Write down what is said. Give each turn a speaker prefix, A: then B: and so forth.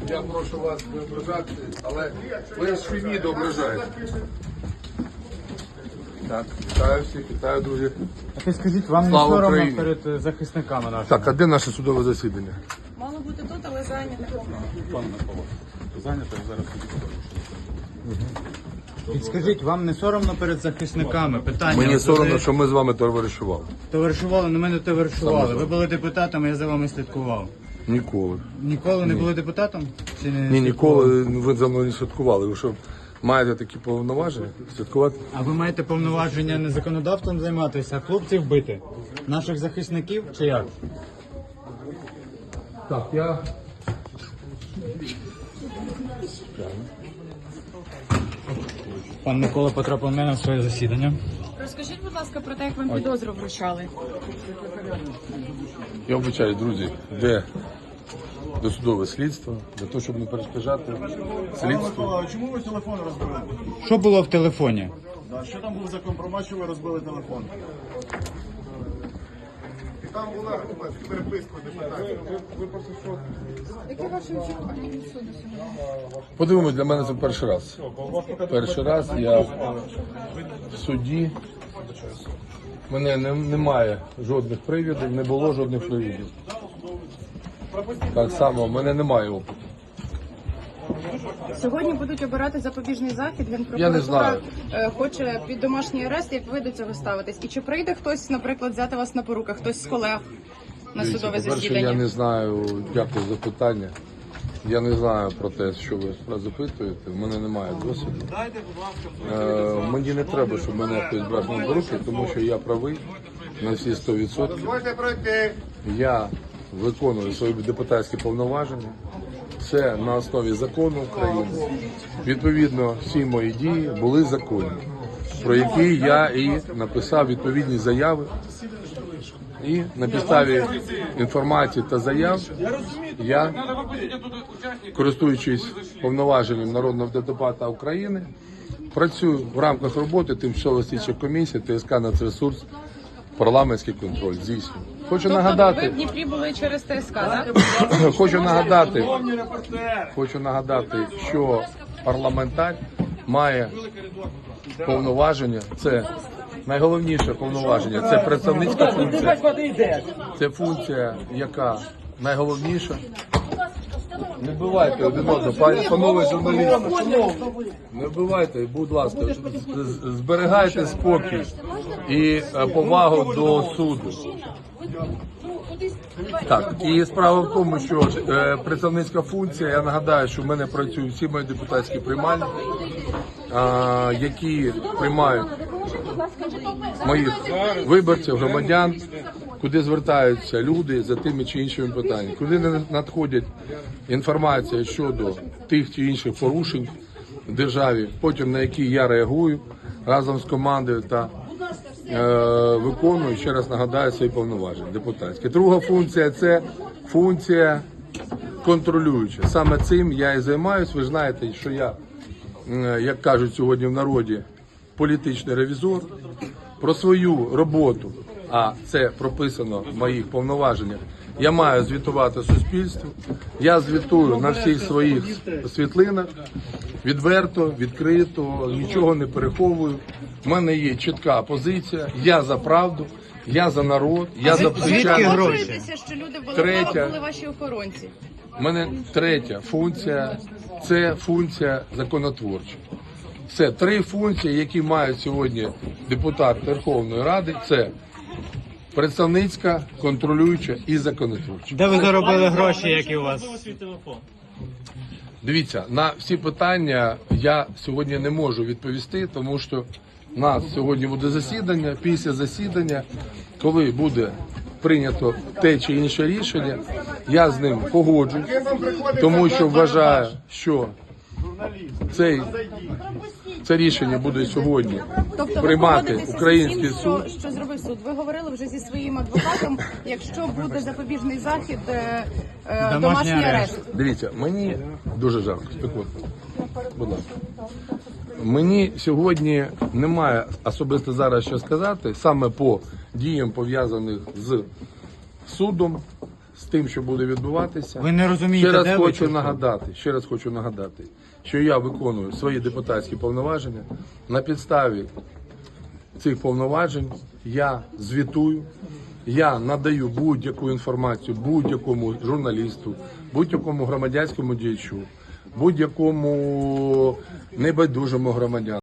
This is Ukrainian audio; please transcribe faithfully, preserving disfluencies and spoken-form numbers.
A: Я прошу вас не ображати, але ви ж відео ображаєте. Так, вітаю всіх, вітаю, друзі.
B: А ти скажіть, вам не
A: Слава
B: соромно
A: Україні.
B: перед захисниками нашими?
A: Так, а де наше судове засідання?
C: Мало бути тут, але зайнято.
B: Зайнято зараз. Підскажіть, вам не соромно перед захисниками? Питання.
A: Мені
B: От
A: соромно,
B: ви
A: що ми з вами товаришували.
B: Товаришували, на мене товаришували.
A: Саме
B: Ви були депутатом, я за вами слідкував.
A: Ніколи.
B: Ніколи не були депутатом? Чи не
A: Ні,
B: слідкували?
A: ніколи ви за мною не святкували. Ви що, маєте такі повноваження святкувати?
B: А ви маєте повноваження не законодавством займатися, а хлопців бити? Наших захисників чи як?
A: Так, я...
B: Пан Микола потрапив мене на своє засідання.
C: Розкажіть, будь ласка, про те, як вам підозру вручали.
A: Я вибачаю, друзі, де досудове слідство, для того, щоб не перешкоджати слідству.
D: Микола, чому ви телефон розбили?
B: Що було в телефоні?
D: Да, що там був за компромат, що ви розбили телефон? Там була переписка депутатів.
C: Які ваші очікування від суду сьогодні?
A: Подивимось, для мене це перший раз. Перший раз я в суді. Мене не, немає жодних привідів, не було жодних привідів. Так само, в мене немає опиту.
C: Сьогодні будуть обирати запобіжний захід.
A: Я не
C: Генпрокуратура
A: знаю.
C: е, хоче під домашній арест. Як ви до цього ставитесь? І чи прийде хтось, наприклад, взяти вас на поруки, хтось з колег на
A: Дивіться,
C: судове
A: по-перше,
C: засідання?
A: я не знаю, дякую за питання. Я не знаю про те, що ви запитуєте. У мене немає досвіду. Е, мені не треба, щоб мене хтось брав на руки, тому що я правий на всі сто відсотків.
D: Дозвольте пройти.
A: Я виконую свої депутатські повноваження. Це на основі закону України. Відповідно, всі мої дії були законні, про які я і написав відповідні заяви. І на підставі інформації та заяв я, користуючись повноваженням народного депутата України, працюю в рамках роботи тимчасової слідчої комісії ТСК «Нацресурс», парламентський контроль здійснюю. Хочу
C: Тобто ви
A: нагадати,
C: в Дніпрі були через ТСК, так?
A: хочу нагадати, хочу нагадати, що парламентар має повноваження. Це найголовніше повноваження. Це представницька функція. Це функція, яка найголовніша. Не вбивайте один одного, пані панове журналісти. Не вбивайте, будь ласка, з- зберігайте спокій і е, повагу до суду. Так, і справа в тому, що е, представницька функція, я нагадаю, що в мене працюють всі мої депутатські приймальні, е, які приймають моїх виборців, громадян, куди звертаються люди за тими чи іншими питаннями, куди не надходять інформація щодо тих чи інших порушень в державі, потім на які я реагую разом з командою та е, виконую, ще раз нагадаю, свої повноваження депутатські. Друга функція – це функція контролююча. Саме цим я і займаюся. Ви ж знаєте, що я, е, як кажуть сьогодні в народі, політичний ревізор. Про свою роботу, а це прописано в моїх повноваженнях, я маю звітувати суспільству. Я звітую на всіх своїх світлинах, відверто, відкрито, нічого не переховую. У мене є чітка позиція, я за правду, я за народ, я за
B: Звідки
A: звичайно.
B: гроші?
C: Погоджуєтеся, що люди в
A: Третя.
C: Володимирі були ваші охоронці?
A: У мене третя функція – це функція законотворча. Це три функції, які мають сьогодні депутат Верховної Ради. Це представницька, контролююча і законотворча.
B: Де ви заробили гроші, які у вас?
A: Дивіться, на всі питання я сьогодні не можу відповісти, тому що у нас сьогодні буде засідання. Після засідання, коли буде прийнято те чи інше рішення, я з ним погоджуюсь, тому що вважаю, що цей, це рішення буде сьогодні
C: Тобто ви
A: приймати
C: погодитеся
A: український
C: з усім,
A: суд.
C: що, що зробив суд? Ви говорили вже зі своїм адвокатом, якщо буде запобіжний захід, е, е,
B: Домашній
C: домашній
B: арешт.
C: арешт.
A: Дивіться, мені дуже жарко, спекотно. Будь ласка. Мені сьогодні немає особисто зараз що сказати, саме по діям, пов'язаних з судом, з тим, що буде відбуватися.
B: Ви не розумієте,
A: Ще раз
B: де ви,
A: хочу
B: чи що?
A: нагадати, ще раз хочу нагадати, що я виконую свої депутатські повноваження. На підставі цих повноважень я звітую, я надаю будь-яку інформацію будь-якому журналісту, будь-якому громадянському діячу, будь-якому небайдужому громадянину.